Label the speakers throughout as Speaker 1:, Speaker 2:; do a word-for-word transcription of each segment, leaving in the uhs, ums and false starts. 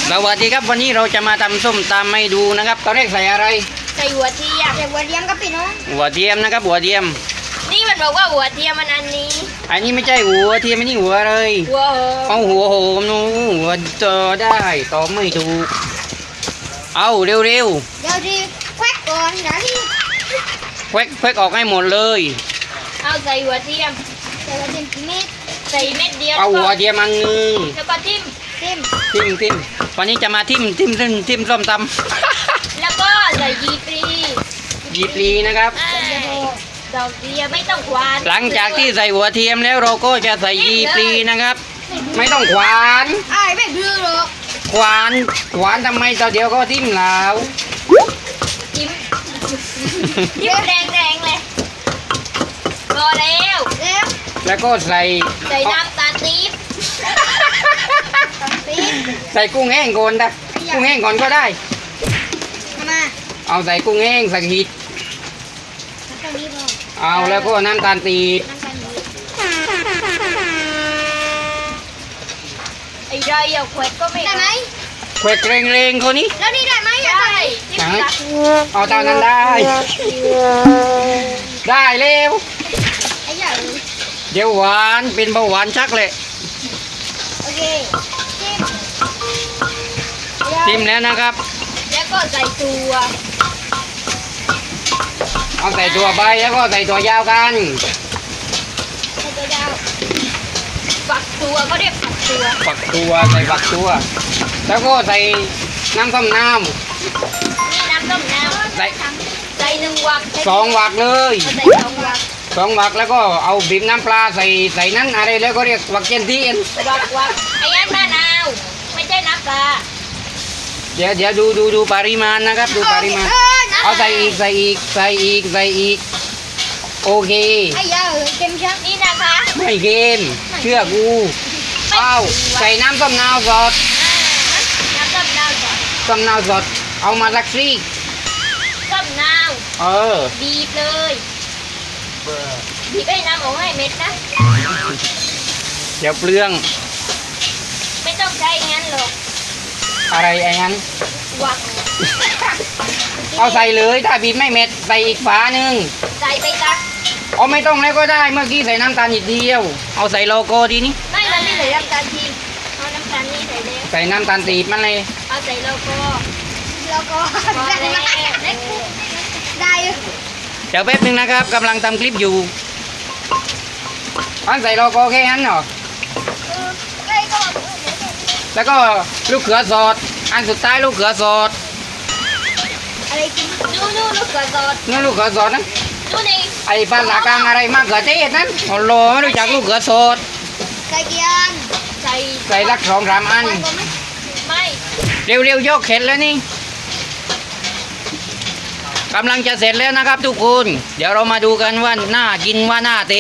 Speaker 1: สวัสดีครับวันนี้เราจะมาทำส้มตำให้ดูนะครับตอนแรกใส่อะไร
Speaker 2: ใส่หัวเทียมใส่หัวเทียมก็ปิดเนาะ
Speaker 1: หัวเทียมนะครับหัวเทียม
Speaker 2: นี่มันบอกว่าหัวเทียมมันอันนี้
Speaker 1: อันนี้ไม่ใช่หัวเทียมอันนี้หัวเลย
Speaker 2: หัว
Speaker 1: เอาหัวโหมนูหัวเจอได้ตอบไม่ถูกเอาเร็วๆเดี๋ยว
Speaker 2: ดิแควกก่อนนะที่
Speaker 1: แควกแควกออกให้หมดเลย
Speaker 2: เอาใส่หัวเทียมใส่หัวเทียมกี่เม็ดใส่เม็ดเดียว
Speaker 1: เอาหัวเทียมอันนึง
Speaker 2: แล้วก็ทิ่มทิ่ม
Speaker 1: ทิมทิมวันนี้จะมาทิมทิมทิมทิมส้มต
Speaker 2: ำแล้วก็ใส่ยีปลี
Speaker 1: ยีปลีนะครับ
Speaker 2: ดอกเดียวไม่ต้องควาน
Speaker 1: หลังจากที่ใส่หัวเทียมแล้วเราก็จะใส่ยีปลีนะครับไม่ต้องขวาน
Speaker 2: ไอ้ไม่ดื้อหรอก
Speaker 1: ขวานขวานทำไมตอนเดียวก็ทิ่มแล้ว
Speaker 2: ทิ่มทิ่มแรงแรงเลยพอแล้วแล้ว
Speaker 1: แล้วก็ใส่
Speaker 2: ใส่น้ำตาลปี๊บ
Speaker 1: ใส่กุ้งแห้งก่อนนะกุ้งแห้งก่อนก็ได้
Speaker 2: มา
Speaker 1: เอาใส่กุ้งแห้งใส่หิดเอาแล้วก็น้ำตาลปี๊บ
Speaker 2: ไอ้ไรเอาแขวดก็ไม่ได้ไหม
Speaker 1: แขวดเร่งๆคนนี้
Speaker 2: แล้วนี่ได้ไหมได้
Speaker 1: เอาตามนั้นได้ได้เร็วเดี๋ยวหวานเป็นเบาหวานชักเลย
Speaker 2: โอเค
Speaker 1: ทิมแล้วนะครับ
Speaker 2: แล้วก็ใส่ตัว
Speaker 1: เอาใส่ตัวใบแล้วก็ใส่ตัวยาวกัน
Speaker 2: ใส่ตัวยาวฝักตัวก็เรียกฝักตัว
Speaker 1: ฝักตัวใส่ฝักตัวแล้วก็ใส่น้ำส้มน้ำ
Speaker 2: นี่น้ำส้มน้ำใส่ใส่หนึ่งวัก
Speaker 1: สองวักเลย
Speaker 2: ใส่สองวัก
Speaker 1: สองวักแล้วก็เอาบีบน้ำปลาใส่ใส่นั้นอะไรแล้วก็เรียกวักเจนทีน
Speaker 2: วักวักไอ้ยันมะนาวไม่ใช่น้ำปลา
Speaker 1: เดี๋ยวเดี๋ยวดูดูดูปริมาณนะครับดูปริมาณเอาใส่อีกใส่อีกใส่อีกใส่อีกโอเค
Speaker 2: ไอ้ยาเค็มชักนี่นะคะ
Speaker 1: ไม่เค็มเชื่อกูเอาใส่น้ำส้มนาวสด
Speaker 2: น้ำส้มนาวสด
Speaker 1: ส้มนาวสดเอามาสักซี
Speaker 2: ส้มนาว
Speaker 1: เออ
Speaker 2: บีบเลยบีบให้น้ำออกให้เม็ดนะ
Speaker 1: เดี๋ยวเปลือง
Speaker 2: ไม่ต้องใช้งั้นหรอก
Speaker 1: อะไรไอ้นั้น
Speaker 2: วัก
Speaker 1: เอาใส่เลยถ้าบีบไม่เม็ดใส่อีกฝาหนึ่ง
Speaker 2: ใส่ไปจ้ะ
Speaker 1: เอาไม่ต้องแล้วก็ได้เมื่อกี้ใส่น้ำตาลนิดเดียวเอาใส่โลโก้ดีนี่
Speaker 2: ไม่เราไม่ใส่น้ำตาลทีเอาน้ำตาลนี่ใส่เลย
Speaker 1: ใส่น้ำตาลตีบมันเลย
Speaker 2: เอาใส่โลโก้โลโก้ได้ได้
Speaker 1: เดี๋ยวแป๊บนึงนะครับกำลังทำคลิปอยู่อันใส่โลโก้แค่นั้นเหรอแล้วก็ลูกเขือสดอันสุดท้ายลูกเขือสด
Speaker 2: อะไรกินนู่นนู่นลูกเขือสด
Speaker 1: นู่นลูกเขือสดนะ
Speaker 2: นู่นเอง
Speaker 1: ไอ้บ้านหลักกลางอะไรมากเขือเทศนั้นโอ้โหไม่รู้จักลูกเขือสด
Speaker 2: ใส่กี่อันใส่
Speaker 1: ใส่ลักสองสามอัน
Speaker 2: ไม่
Speaker 1: เร็วๆยกเข็นแล้วนี่กำลังจะเสร็จแล้วนะครับทุกคนเดี๋ยวเรามาดูกันว่าน่ากินว่าน่าเตะ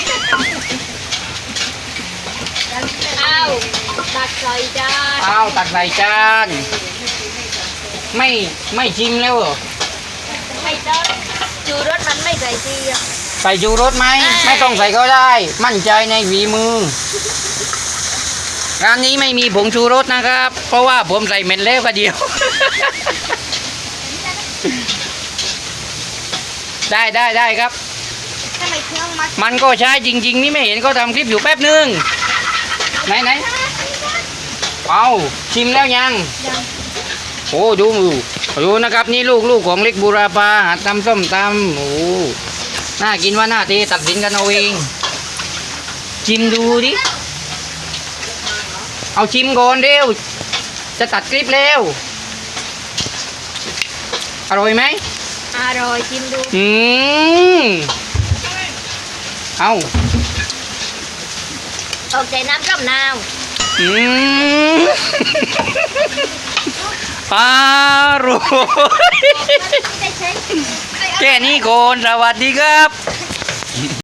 Speaker 2: เอาตักใส่จาน
Speaker 1: เอาตักใส่จานไม่ไม่ชิมแล้วเหรอ
Speaker 2: ไม่ต้องชูรสมันไม่ใส่ที
Speaker 1: ใส่ชูรสไหมไม่ต้องใส่ก็ได้มั่นใจในฝีมือร้านนี้ไม่มีผงชูรสนะครับเพราะว่าผมใส่เม็ดแล้วก็เดียวได้ได้ได้ครับมันก็ใช้จริงๆนี่ไม่เห็นก็ทำคลิปอยู่แป๊บนึงไหนไหนเอาชิมแล้วยังโอ้ดูมือดูนะครับนี่ลูกลูกของเล็กบูราปาหัดทำส้มตำโอ้น่ากินว่าน่าตีตัดสินกันเอาเองชิมดูดิเอาชิมก่อนเร็วจะตัดคลิปเร็วอร่อยไหม
Speaker 2: อร่อยชิมดู
Speaker 1: อืมเอา
Speaker 2: ออกใจน้ำส้มนาว
Speaker 1: อืมอร่อยแค่นี้ก่อนสวัสดีครับ